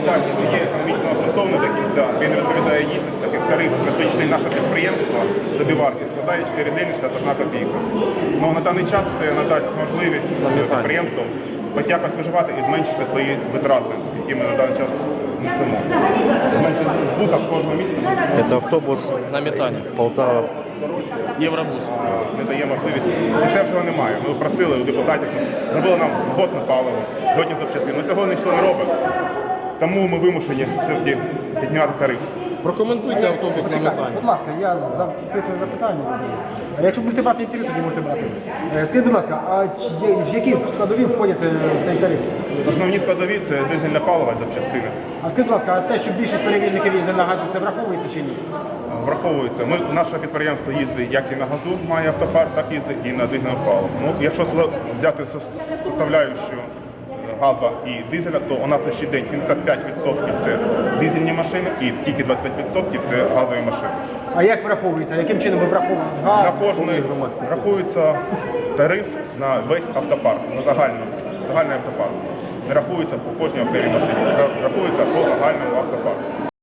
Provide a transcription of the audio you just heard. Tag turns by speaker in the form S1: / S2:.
S1: дасть своє економічно обґрунтоване до кінця, він відповідає дійсності, як тариф на сьогоднішнє наше підприємство собівартість складає 4 гривні 61 копійка. Ну, на даний час це надасть можливість підприємствам хоч якось виживати і зменшити свої витрати, які ми на даний час несемо. Зменшити збуток кожного місяця.
S2: Это автобус
S3: На метані.
S2: Полтава.
S3: Євробус.
S1: Не дає можливість. Дешевшого немає. Ми просили у депутатів, щоб зробили нам годне паливо, годні запчастини. Ну цього ніхто не робить. Тому ми вимушені все-таки підняти тариф.
S3: Прокоментуйте автобус на метані.
S4: Будь ласка, я запитую запитання. Якщо будете брати інтерв'ю, тоді можете брати. Скажіть, будь ласка, а в які складові входять цей тариф?
S1: Основні складові це дизельне паливо і запчастини.
S4: А скажіть, будь ласка, а те, що більшість перевізників їздить на газу, це враховується чи ні?
S1: Враховується. Наше підприємство їздить як і на газу, має автопарк, так їздить і на дизельному паливо. Ну, якщо взяти составляючу газу і дизеля, то у нас ще день 75% це дизельні машини і тільки 25% це газові машини.
S4: А як враховується? Яким чином ви враховуєте газ?
S1: На кожний рахується тариф на весь автопарк, на загальний автопарк. Не рахується по кожній окремій машині, рахується по загальному автопарку.